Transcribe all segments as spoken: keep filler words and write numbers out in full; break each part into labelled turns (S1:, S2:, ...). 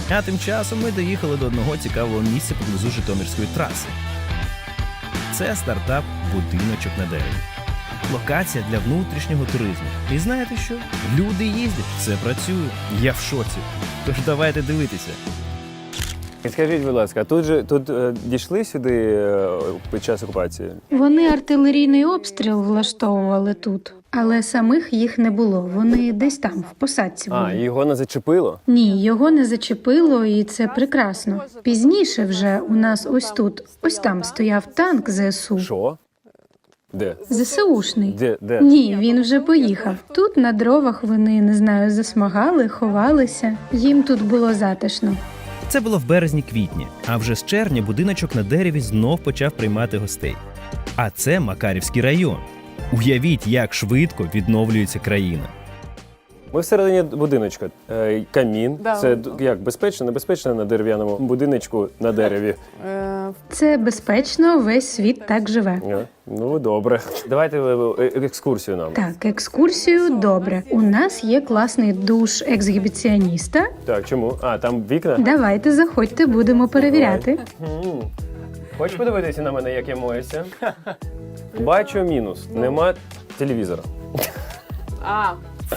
S1: А тим часом ми доїхали до одного цікавого місця поблизу Житомирської траси. Це стартап «Будиночок на дереві». Локація для внутрішнього туризму. І знаєте що? Люди їздять, все працює. Я в шоці. Тож давайте дивитися.
S2: Скажіть, будь ласка, тут же тут е, дійшли сюди е, під час окупації?
S3: Вони артилерійний обстріл влаштовували тут, але самих їх не було. Вони десь там, в посадці були.
S2: А, його не зачепило?
S3: Ні, його не зачепило, і це прекрасно. Пізніше вже у нас ось тут, ось там стояв танк ЗСУ.
S2: Що? Де?
S3: ЗСУшний.
S2: Де? Де?
S3: Ні, він вже поїхав. Тут на дровах вони, не знаю, засмагали, ховалися. Їм тут було затишно.
S1: Це було в березні-квітні, а вже з червня будиночок на дереві знов почав приймати гостей. А це Макарівський район. Уявіть, як швидко відновлюється країна.
S2: Ми всередині будиночка. Е, камін.
S4: Да.
S2: Це д- як безпечно, небезпечно на дерев'яному будиночку на дереві.
S4: Е,
S3: Це безпечно, весь світ так живе.
S2: Е, Ну, добре. Давайте е, е, екскурсію нам.
S3: Так, екскурсію добре. У нас є класний душ ексгібіціоніста.
S2: Так, чому? А, там вікна?
S3: Давайте, заходьте, будемо перевіряти.
S2: М. Хочеш подивитися на мене, як я моюся? Бачу мінус. Нема телевізора.
S4: А.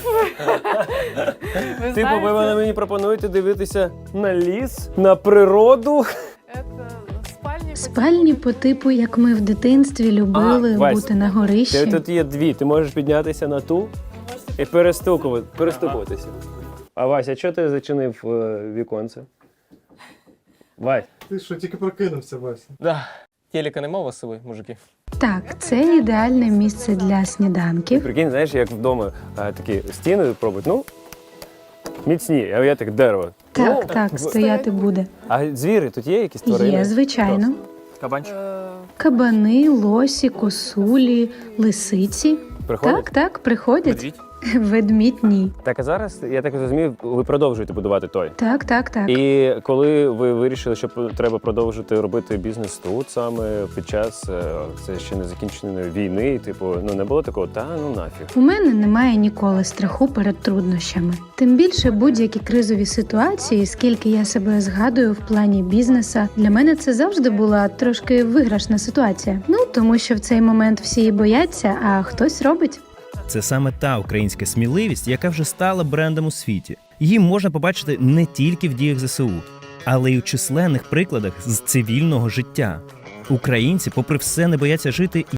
S4: Ви
S2: Типу, ви
S4: знаєте,
S2: мені пропонуєте дивитися на ліс, на природу.
S4: це спальні
S3: Спальні по типу, як ми в дитинстві любили
S2: А, Вась,
S3: бути на
S2: Ти-
S3: горищі.
S2: Тут є дві. Ти можеш піднятися на ту і перестукувати, перестукуватися. А Вася, чого ти зачинив е, віконце? Вась.
S5: Ти що, тільки прокинувся, Вася?
S6: Да. Телека нема у вас з собою, мужики?
S3: Так, це ідеальне місце для сніданків.
S2: Прикинь, знаєш, як вдома а, такі стіни пробують, ну, міцні, а я так дерево.
S3: Так,
S2: Ну,
S3: так, стояти буде.
S2: А звіри тут є якісь тварини?
S3: Є, звичайно.
S6: Кабанчик?
S4: е,
S3: Кабани, лосі, косулі, лисиці.
S2: Приходять?
S3: Так, так, приходять.
S6: Медвідь?
S3: Ведмідь ні.
S2: Так, а зараз, я так розумію, ви продовжуєте будувати той.
S3: Так, так, так.
S2: І коли ви вирішили, що треба продовжити робити бізнес тут саме під час е, це ще не закінченої війни, типу, ну не було такого, та ну нафіг.
S3: У мене немає ніколи страху перед труднощами. Тим більше будь-які кризові ситуації, скільки я себе згадую в плані бізнеса, для мене це завжди була трошки виграшна ситуація. Ну, тому що в цей момент всі бояться, а хтось робить.
S1: Це саме та українська сміливість, яка вже стала брендом у світі. Її можна побачити не тільки в діях ЗСУ, але й у численних прикладах з цивільного життя. Українці, попри все, не бояться жити